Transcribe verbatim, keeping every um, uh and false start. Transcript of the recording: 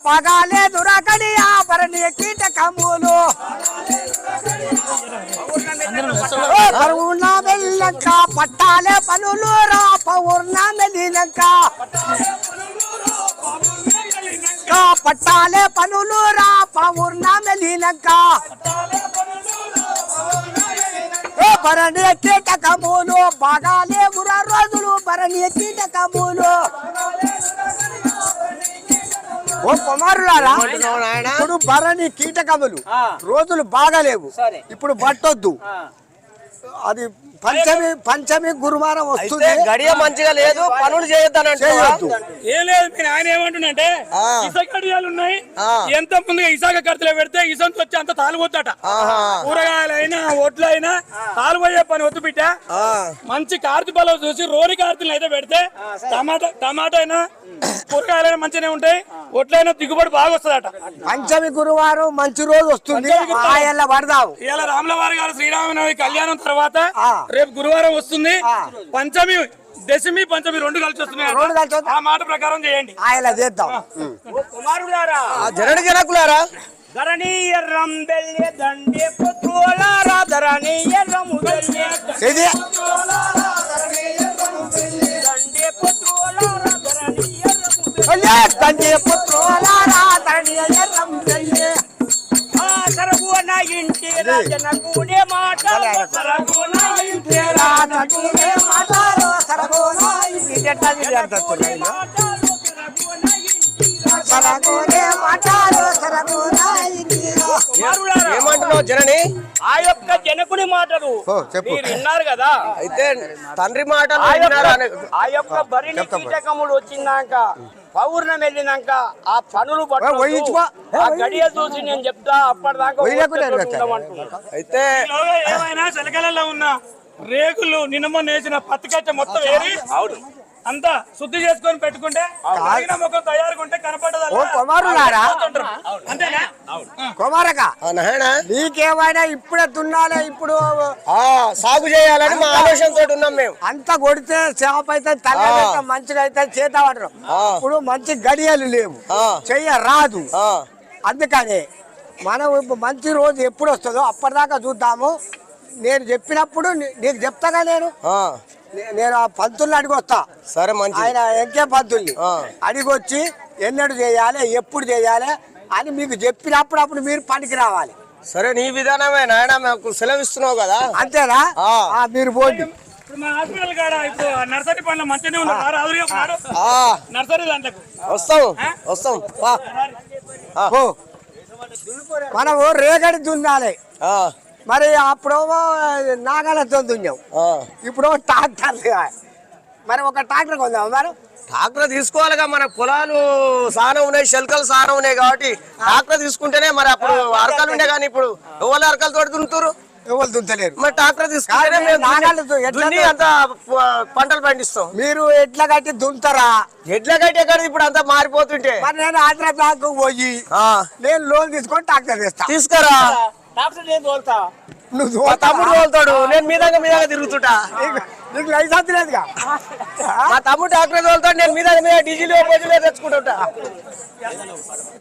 పగాలే దురకడి ఆభరణి కీటకములు పౌర్ణమెల్లక పట్టాలే పనులు రా పౌర్ణమెలినక పట్టాలే పనులు రా పౌర్ణమెలినక భరణి కీటకములు బాగాలే ముర రోజులు భరణి కీటకములు ఓ కుమారులారా ఇప్పుడు భరణి కీటకములు రోజులు బాగాలేవు ఇప్పుడు పట్టొద్దు అది పంచమి పంచమి గురువారం వస్తుంది గడియ మంచిగా లేదు పనులు చేయొద్దు ఏం లేదు మీరు ఆయన ఏమంటుండే ఇసుక గడియాలు ఉన్నాయి ఎంత ముందుగా ఇసాక కర్తలో పెడితే ఇసంత వచ్చి అంత తాలిపోతాట కూరగాయలైనా ఒడ్లైనా తాలిపోయే పని వద్దు బిడ్డ మంచి కార్తీ పొలం చూసి రోరి కార్తీలు అయితే పెడితే టమాటా టమాటా అయినా కూరగాయలైనా మంచిగానే ఉంటాయి ఒడ్లైనా దిగుబడి బాగా వస్తుందట పంచమి గురువారం మంచి రోజు వస్తుంది పడదావు ఇలా రాములవారి గారు శ్రీరామనవమి కళ్యాణం తర్వాత రేపు గురువారం వస్తుంది పంచమి దశమి పంచమి రెండు కలిసి వస్తున్నాయి ఆ మాట ప్రకారం చేయండి ఆయన చేద్దాం కుమారులారా జనని జనకులారా ధరణి ఎర్రం బెల్లె దండే పుత్రులారా ధరణి ఎర్రము బెల్లె దండే పుత్రులారా ధరణి ఎర్రము బెల్లె దండే పుత్రులారా ధరణి ఎర్రము బెల్లె సరగున ఇంటి రాజనకునే మాటలు సరగున ఇంటి రాజనకునే మాటలు సరగున ఇంటి రాజనకునే మాటలు సరగునే మాటలు సరగున ఇంటి ఏమంటున్నావు జనని ఆ యొక్క జనకుని మాటలు మీరు విన్నారు కదా అయితే తండ్రి మాటలు ఆ యొక్క భరిణి కీటకములు వచ్చినాక పౌర్ణమి వెళ్ళినాక ఆ పనులు గడియ చూసి నేను చెప్తా అప్పటిదాకా అయితే ఏమైనా చిలకలలో ఉన్న రేకులు నిన్న నేసిన పత్తికచ్చ మొత్తం ఏరి అంతా శుద్ధి చేసుకొని పెట్టుకుంటే ముఖం తయారుగా ఉంటే కనపడదా అంతేనా కుమారక నీకేమైనా ఇప్పుడే దున్నాలే ఇప్పుడు సాగు చేయాలని మా ఆలోచనతో ఉన్నాం మేము అంతా కొడితే చేప అయితే తల మంచిగా అయితే చేత పడరు ఇప్పుడు మంచి గడియలు లేవు చెయ్య రాదు అందుకని మనం ఇప్పుడు మంచి రోజు ఎప్పుడు వస్తుందో అప్పటిదాకా చూద్దాము నేను చెప్పినప్పుడు నీకు చెప్తాగా నేను నేను ఆ పంతుల్ని అడిగొస్తా సరే మంచి ఆయన ఎంకే పంతుల్ని అడిగొచ్చి ఎన్నడు చేయాలి ఎప్పుడు చేయాలి అని మీకు చెప్పినప్పుడు అప్పుడు మీరు పనికి రావాలి సరే నీ విధానమే నాయన మాకు సెలవిస్తున్నావు కదా అంతేనా మీరు పోండి ఇప్పుడు మా హాస్పిటల్ కాడ ఇప్పుడు నర్సరీ పనులు మంచిగానే ఉన్నారు నర్సరీ దాంట్లోకి వస్తాం వస్తాం మనము రేగడి దున్నాలి మరి అప్పుడేమో నాగలతో దున్నాం ఇప్పుడు ట్రాక్టర్ మరి ఒక ట్రాక్టర్ కొందాం మరి ట్రాక్టర్ తీసుకోవాలిగా మన పొలాలు సానం ఉన్నాయి శల్కలు సానం ఉన్నాయి కాబట్టి ట్రాక్టర్ తీసుకుంటేనే మరి అప్పుడు అరకలు ఉండే కానీ ఇప్పుడు ఎవరు అరకలతో దున్నుతారు ఎవరు దుంతలేరు మరి ట్రాక్టర్ తీసుకుంటే అంత పంటలు పండిస్తాం మీరు ఎట్లా కట్టి దుంతారా ఎట్లా కట్టి ఎక్కడ ఇప్పుడు అంతా మారిపోతుంటే మరి నేను ఆంధ్ర బ్యాంకు పోయి నేను లోన్ తీసుకొని ట్రాక్టర్ తెస్తా తీసుకురా నువ్వు తమ్ముడు తోలుతాడు నేను మీదంగా మీదంగా తిరుగుతుంటా నీకు లైసెన్స్ లేదుగా మా తమ్ముడు ట్రాక్టర్ తోలుతాడు నేను మీద మీద డీజిల్ తెచ్చుకుంటా